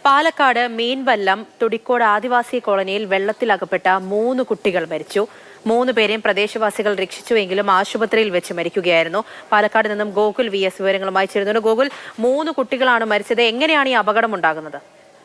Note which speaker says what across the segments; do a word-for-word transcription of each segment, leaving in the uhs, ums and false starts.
Speaker 1: പാലക്കാട് മീൻവല്ലം തുടിക്കോട് ആദിവാസി കോളനിയിൽ വെള്ളത്തിലകപ്പെട്ട മൂന്ന് കുട്ടികൾ മരിച്ചു. മൂന്ന് പേരെയും പ്രദേശവാസികൾ രക്ഷിച്ചുവെങ്കിലും ആശുപത്രിയിൽ വെച്ച് മരിക്കുകയായിരുന്നു. പാലക്കാട് നിന്നും ഗോകുൽ വി എസ് വിവരങ്ങളുമായി ചേരുന്നു. ഗോകുൽ, മൂന്ന് കുട്ടികളാണ് മരിച്ചത്. എങ്ങനെയാണ് ഈ അപകടം ഉണ്ടാകുന്നത്?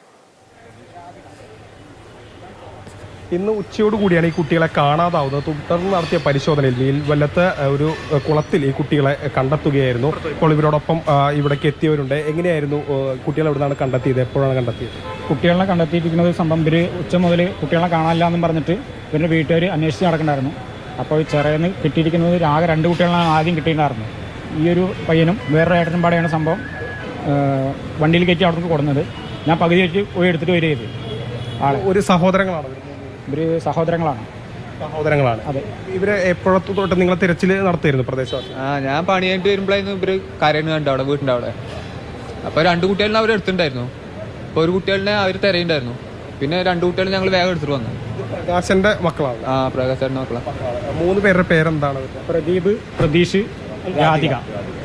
Speaker 2: ഇന്ന് ഉച്ചയോടുകൂടിയാണ് ഈ കുട്ടികളെ കാണാതാവുന്നത്. തുടർന്ന് നടത്തിയ പരിശോധനയിൽ മീൻവല്ലത്ത് ഒരു കുളത്തിൽ ഈ കുട്ടികളെ കണ്ടെത്തുകയായിരുന്നു. ഇപ്പോൾ ഇവരോടൊപ്പം ഇവിടേക്ക് എത്തിയവരുണ്ട്. എങ്ങനെയായിരുന്നു കുട്ടികളെ എവിടുന്നാണ് കണ്ടെത്തിയത്? എപ്പോഴാണ് കണ്ടെത്തിയത്?
Speaker 3: കുട്ടികളെ കണ്ടെത്തിയിരിക്കുന്നത് സംഭവം ഇവർ ഉച്ച മുതൽ കുട്ടികളെ കാണാനില്ല എന്നും പറഞ്ഞിട്ട് ഇവരുടെ വീട്ടുകാർ അന്വേഷിച്ച് നടക്കണ്ടായിരുന്നു. അപ്പോൾ ചെറിയെന്ന് കിട്ടിയിരിക്കുന്നത് ആകെ രണ്ട് കുട്ടികളാണ് ആദ്യം കിട്ടിയിട്ടുണ്ടായിരുന്നു. ഈ ഒരു പയ്യനും വേറൊരു ഏട്ടനും പാടെയാണ് സംഭവം വണ്ടിയിൽ കയറ്റി അവിടെ നിന്ന് കൊടുക്കുന്നത്. ഞാൻ പകുതി വെച്ച് പോയി എടുത്തിട്ട് വരിക ചെയ്ത് ആളെ
Speaker 2: ഒരു സഹോദരങ്ങളാണ്
Speaker 3: ഇവര് സഹോദരങ്ങളാണ്
Speaker 2: സഹോദരങ്ങളാണ്
Speaker 3: അതെ.
Speaker 2: ഇവരെ എപ്പോഴത്തു തൊട്ട് നിങ്ങൾ തിരച്ചിൽ നടത്തിയിരുന്നു പ്രദേശവാസി?
Speaker 4: ആ ഞാൻ പണി കഴിഞ്ഞിട്ട് വരുമ്പോഴായിരുന്നു ഇവര് കരയുന്ന കണ്ടു അവിടെ വീട്ടിൻ്റെ അവിടെ. അപ്പോൾ രണ്ട് കുട്ടികളിനെ അവർ എടുത്തിട്ടുണ്ടായിരുന്നു. അപ്പോൾ ഒരു കുട്ടികളിനെ അവർ തിരയുണ്ടായിരുന്നു. പിന്നെ രണ്ട് കുട്ടികൾ ഞങ്ങൾ വേഗം എടുത്തിട്ട് വന്നു.
Speaker 2: പ്രകാശന്റെ മക്കളാണ്.
Speaker 4: ആ പ്രകാശന്റെ മക്കളാണ്.
Speaker 2: മൂന്ന് പേരുടെ പേരെന്താണ്?
Speaker 3: പ്രദീപ്, പ്രതീഷ്, രാധിക.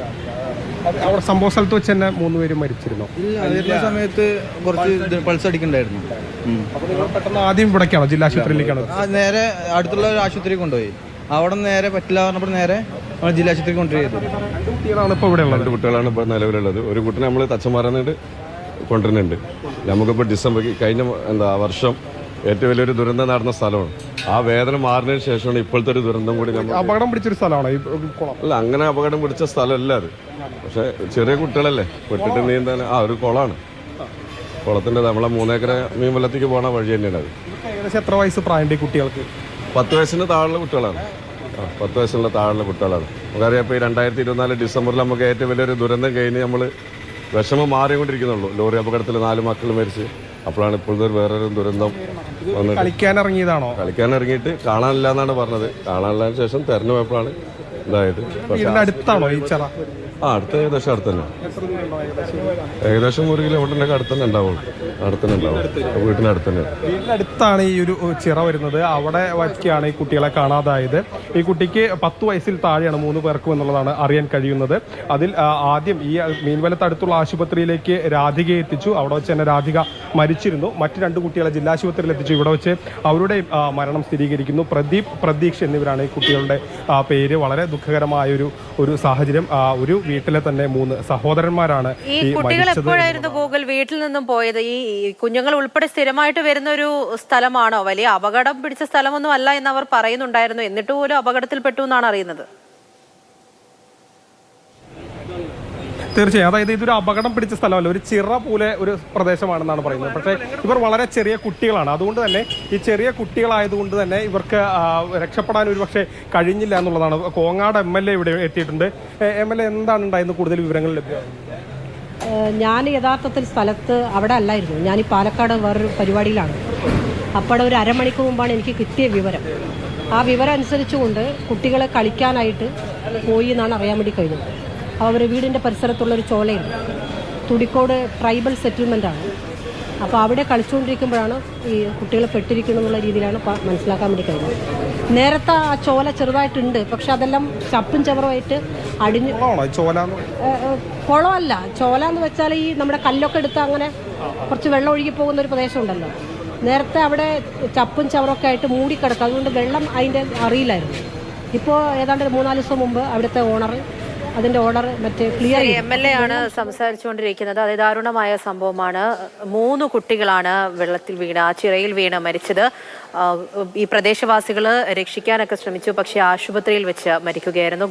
Speaker 2: അവിടെ സംഭവ സ്ഥലത്ത് വെച്ച് തന്നെ മൂന്ന് പേരും മരിച്ചിരുന്നു.
Speaker 5: സമയത്ത് കുറച്ച് പൾസ് അടിക്കണ്ടായിരുന്നു.
Speaker 2: അപ്പോൾ നിങ്ങൾ പെട്ടെന്ന് ആദ്യം ഇവിടേക്കാണോ, ജില്ലാ ആശുപത്രിയിലേക്കാണോ?
Speaker 5: നേരെ അടുത്തുള്ള ഒരു ആശുപത്രിയിൽ കൊണ്ടുപോയി. അവിടെ നേരെ പറ്റില്ല പറഞ്ഞപ്പോൾ നേരെ ജില്ലാ ആശുപത്രിയിൽ കൊണ്ടുപോയി.
Speaker 2: രണ്ട് കുട്ടികളാണ് ഇപ്പോൾ ഇവിടെ ഉള്ളത്.
Speaker 6: രണ്ട് കുട്ടികളാണ് ഇപ്പോൾ നിലവിലുള്ളത്. ഒരു കുട്ടിനെ നമ്മൾ തച്ചമാറന്നിട്ട് കൊണ്ടുവരുന്നുണ്ട്. നമുക്കിപ്പോൾ ഡിസംബർ കഴിഞ്ഞ എന്താ വർഷം ഏറ്റവും വലിയൊരു ദുരന്തം നടന്ന സ്ഥലമാണ്. ആ വേദന മാറിയതിനു ശേഷമാണ് ഇപ്പോഴത്തെ ഒരു ദുരന്തം കൂടി നമ്മൾ.
Speaker 2: അപകടം പിടിച്ചൊരു സ്ഥലമാണ് ഈ കുളം?
Speaker 6: അല്ല, അങ്ങനെ അപകടം പിടിച്ച സ്ഥലമല്ല അത്. പക്ഷെ ചെറിയ കുട്ടികളല്ലേ പെട്ടിട്ട് നീന്താൻ. ആ ഒരു കുളമാണ്. കുളത്തിൻ്റെ നമ്മളെ മൂന്നേക്കര മീൻവല്ലത്തേക്ക് പോണ വഴി തന്നെയാണ് അത്.
Speaker 2: ഏകദേശം എത്ര വയസ്സ് പ്രായം കുട്ടികൾക്ക്?
Speaker 6: പത്ത് വയസ്സിന് താഴെയുള്ള കുട്ടികളാണ്. ആ പത്ത് വയസ്സുള്ള താഴെയുള്ള കുട്ടികളാണ്. നമുക്കറിയാം ഇപ്പോൾ ഈ രണ്ടായിരത്തി ഇരുപത്തിനാല് ഡിസംബറിൽ നമുക്ക് ഏറ്റവും വലിയൊരു ദുരന്തം കഴിഞ്ഞ് നമ്മൾ വിഷമം മാറിക്കൊണ്ടിരിക്കുന്നുള്ളൂ. ലോറി അപകടത്തിൽ നാല് മക്കൾ മരിച്ച്. അപ്പോഴാണ് ഇപ്പോഴത്തെ വേറൊരു ദുരന്തം വന്നത്.
Speaker 2: കളിക്കാൻ ഇറങ്ങിയതാണോ?
Speaker 6: കളിക്കാൻ ഇറങ്ങിയിട്ട് കാണാനില്ല എന്നാണ് പറഞ്ഞത്. കാണാനില്ലതിന് ശേഷം തെരഞ്ഞു പോയപ്പോഴാണ് ഇതായത്.
Speaker 2: അടുത്താണോ ഈ ചിറ?
Speaker 6: ആ അടുത്ത ഏകദേശം അടുത്ത് തന്നെ. ഏകദേശം ഒരു കിലോമീറ്ററിൻ്റെ അടുത്ത് തന്നെ ഉണ്ടാവുള്ളൂ. അടുത്തന്നെ ഉണ്ടാവും. വീട്ടിനടുത്ത് തന്നെ.
Speaker 2: വീടിനടുത്താണ് ഈ ഒരു ചിറ വരുന്നത്. അവിടെ വയ്ക്കാണ് ഈ കുട്ടികളെ കാണാതായത്. ഈ കുട്ടിക്ക് പത്ത് വയസ്സിൽ താഴെയാണ് മൂന്ന് പേർക്കും എന്നുള്ളതാണ് അറിയാൻ കഴിയുന്നത്. അതിൽ ആദ്യം ഈ മീൻവല്ലത്ത് അടുത്തുള്ള ആശുപത്രിയിലേക്ക് രാധികയെ എത്തിച്ചു. അവിടെ വെച്ച് തന്നെ രാധിക മരിച്ചിരുന്നു. മറ്റ് രണ്ട് കുട്ടികളെ ജില്ലാ ആശുപത്രിയിൽ എത്തിച്ചു. ഇവിടെ വെച്ച് അവരുടെ മരണം സ്ഥിരീകരിക്കുന്നു. പ്രദീപ്, പ്രതീക്ഷ എന്നിവരാണ് ഈ കുട്ടികളുടെ പേര്. വളരെ ദുഃഖകരമായ ഒരു ഒരു സാഹചര്യം. ഒരു വീട്ടിലെ തന്നെ മൂന്ന് സഹോദരന്മാരാണ്
Speaker 1: ഈ കുട്ടികൾ എപ്പോഴായിരുന്നു ഗൂഗിൾ വീട്ടിൽ നിന്നും പോയത്? ഈ കുഞ്ഞുങ്ങൾ ഉൾപ്പെടെ സ്ഥിരമായിട്ട് വരുന്ന ഒരു സ്ഥലമാണോ? വലിയ അപകടം പിടിച്ച സ്ഥലമൊന്നും അല്ല എന്ന് അവർ പറയുന്നുണ്ടായിരുന്നു. എന്നിട്ട് പോലും അപകടത്തിൽപ്പെട്ടു എന്നാണ് അറിയുന്നത്.
Speaker 2: തീർച്ചയായും, അതായത് ഇതൊരു അപകടം പിടിച്ച സ്ഥലമല്ല, ഒരു ചിറ പോലെ ഒരു പ്രദേശമാണെന്നാണ് പറയുന്നത്. പക്ഷേ ഇവർ വളരെ ചെറിയ കുട്ടികളാണ്. അതുകൊണ്ട് തന്നെ ഈ ചെറിയ കുട്ടികളായതുകൊണ്ട് തന്നെ ഇവർക്ക് രക്ഷപ്പെടാൻ ഒരു പക്ഷേ കഴിഞ്ഞില്ല എന്നുള്ളതാണ്. കോങ്ങാട് എം എൽ എ ഇവിടെ എത്തിയിട്ടുണ്ട്. എം എൽ എ എന്താണ് ഉണ്ടായിരുന്നത്? കൂടുതൽ വിവരങ്ങൾ ലഭ്യമാണ്?
Speaker 7: ഞാൻ യഥാർത്ഥത്തിൽ സ്ഥലത്ത് അവിടെ അല്ലായിരുന്നു. ഞാൻ ഈ പാലക്കാട് വേറൊരു പരിപാടിയിലാണ്. അപ്പോൾ ഒരു അരമണിക്കൂർ മുമ്പാണ് എനിക്ക് കിട്ടിയ വിവരം. ആ വിവരം അനുസരിച്ചുകൊണ്ട് കുട്ടികളെ കളിക്കാനായിട്ട് പോയി എന്നാണ് അറിയാൻ വേണ്ടി കഴിഞ്ഞത്. അവർ വീടിൻ്റെ പരിസരത്തുള്ളൊരു ചോലയുണ്ട്, തുടിക്കോട് ട്രൈബൽ സെറ്റിൽമെൻറ്റാണ്. അപ്പോൾ അവിടെ കളിച്ചുകൊണ്ടിരിക്കുമ്പോഴാണ് ഈ കുട്ടികൾ പെട്ടിരിക്കണം എന്നുള്ള രീതിയിലാണ് മനസ്സിലാക്കാൻ വേണ്ടി കഴിഞ്ഞത്. നേരത്തെ ആ ചോല ചെറുതായിട്ടുണ്ട്, പക്ഷെ അതെല്ലാം ചപ്പും ചവറുമായിട്ട് അടിഞ്ഞു. കുളമല്ല, ചോല എന്ന് വെച്ചാൽ ഈ നമ്മുടെ കല്ലൊക്കെ എടുത്ത് അങ്ങനെ കുറച്ച് വെള്ളം ഒഴുകി പോകുന്ന ഒരു പ്രദേശമുണ്ടല്ലോ. നേരത്തെ അവിടെ ചപ്പും ചവറൊക്കെ ആയിട്ട് മൂടിക്കിടക്കും. അതുകൊണ്ട് വെള്ളം അതിൻ്റെ അറിയില്ലായിരുന്നു. ഇപ്പോൾ ഏതാണ്ട് മൂന്നാല് ദിവസം മുമ്പ് അവിടുത്തെ ഓണർ അതിന്റെ ഓർഡർ മറ്റേ ക്ലിയർ.
Speaker 1: എം എൽ എ ആണ് സംസാരിച്ചുകൊണ്ടിരിക്കുന്നത്. അത് ദാരുണമായ സംഭവമാണ്. മൂന്ന് കുട്ടികളാണ് വെള്ളത്തിൽ വീണ്, ആ ചിറയിൽ വീണ് മരിച്ചത്. ഈ പ്രദേശവാസികൾ രക്ഷിക്കാനൊക്കെ ശ്രമിച്ചു, പക്ഷേ ആശുപത്രിയിൽ വെച്ച് മരിക്കുകയായിരുന്നു.